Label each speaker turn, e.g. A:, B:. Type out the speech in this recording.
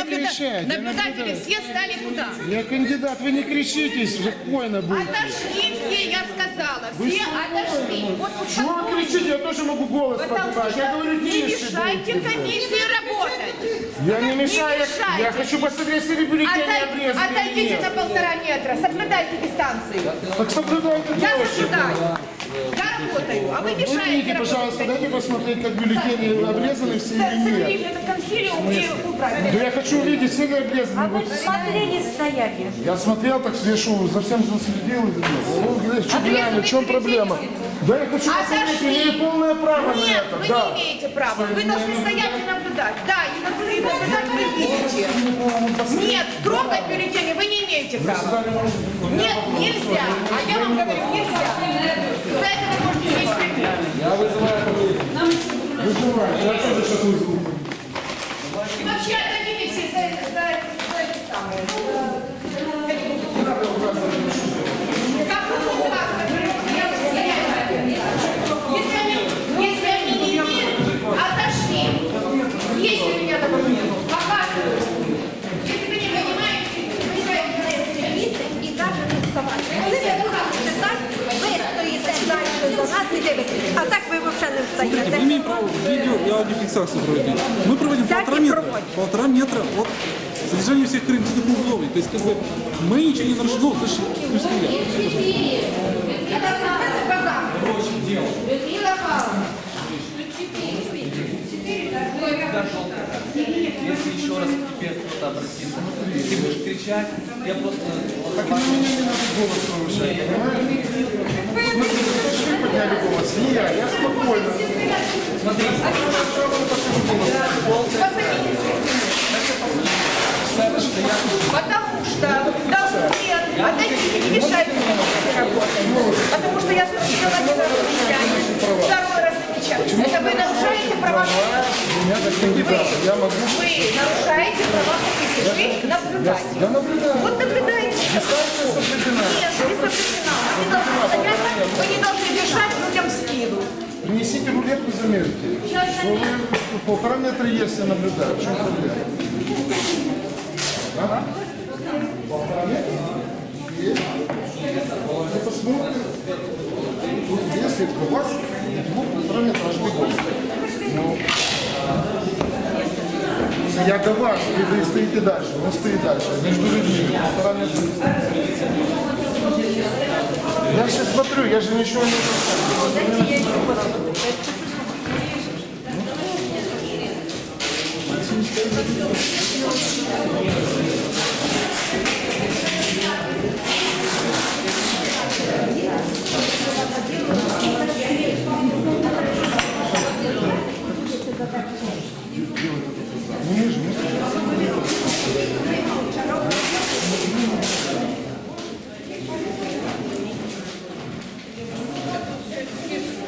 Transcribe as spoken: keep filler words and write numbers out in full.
A: наблюда...
B: кричать, я
A: наблюдатели
B: наблюдаю.
A: все стали куда?
B: Я кандидат, вы не кричите, спокойно будете.
A: Отошли все, я сказала. Все отошли. Вот
B: Чего вы
A: успокойтесь.
B: кричите? Я тоже могу голос
A: Потому
B: поднимать.
A: что
B: Я говорю,
A: не
B: тише
A: мешайте
B: будьте.
A: комиссии работать.
B: Я не мешаю,
A: мешайте.
B: я хочу посмотреть, если бюллетени
A: Отдай-
B: обрезаны или
A: Отойдите на
B: нет.
A: полтора метра, соблюдайте дистанцию.
B: Так соблюдайте
A: Я
B: тоже.
A: соблюдаю. Я работаю, а вы мешаете
B: Выйдите,
A: работать.
B: пожалуйста, дайте посмотреть, как бюллетени обрезаны все или нет.
A: Соберите на консилиум и убрать.
B: Да я хочу увидеть, все ли обрезаны. Вот.
C: Смотрели, стояли.
B: Я смотрел, так я шел, за всем заследил. Ну, глянь, что глянь, в чем проблема? Да я хочу посмотреть,
A: Отошли.
B: имею полное право на
A: Нет,
B: это.
A: вы
B: Да.
A: не имеете права. Вы должны стоять и наблюдать. Да, и наблюдать вы видите. Нет, трогать бюллетени вы не имеете права. Нет, нельзя. А я вам говорю, нельзя. За это вы можете сесть в тюрьму.
B: Вызываю, я тоже сейчас вызову.
A: И вообще отдадите все за это, за это, за это самое. Как вы у вас, я уже стояла. Если они, если они не имеют, отошли. Есть у меня документы. Показываю. Если вы не понимаете, вы считаете, на это місце
C: І каже, не вставати. Коли ви будете так, ви стоїте далі за нас і дивитесь. А так ви взагалі не
D: Смотрите,
C: встаєте.
D: мы имеем право видео и аудиофиксацию проводить. Мы проводим
C: Всякие
D: полтора метра,
C: проводят.
D: полтора метра от содержания всех карантинных условий. То есть как бы мы ничего не нарушили. Ну, слушай, пусть стоят.
E: Если еще раз к тебе кто-то обратится, ты будешь кричать, я просто...
B: Так и мне не надо голос повышать, понимаете? Смотрите, вы подняли голос, не я, я спокойно.
E: Смотри,
A: Потому что нет, отойдите, не мешайте мне работать. Потому что я смотрела один раз замечаю, второй раз замечаю. Это вы нарушаете права
B: Меня как кандидата, я могу...
A: Вы нарушаете права комиссии. Вы наблюдаете.
B: Я наблюдаю.
A: Вот наблюдаете.
B: Дистанция соблюдена.
A: Нет, не соблюдена. Вы не должны стоять, вы не должны дышать людям в спину.
B: Принесите рулетку, замерьте. Что вы полтора метра есть, я наблюдаю. В чем проблема? А? Полтора метра? Есть. Вы посмотрите. Тут если у вас двух полтора метра аж бегом. Ну, я до вас, вы, вы стоите дальше, он стоит дальше. Между людьми полтора метра. Я сейчас смотрю, я же ничего не знаю.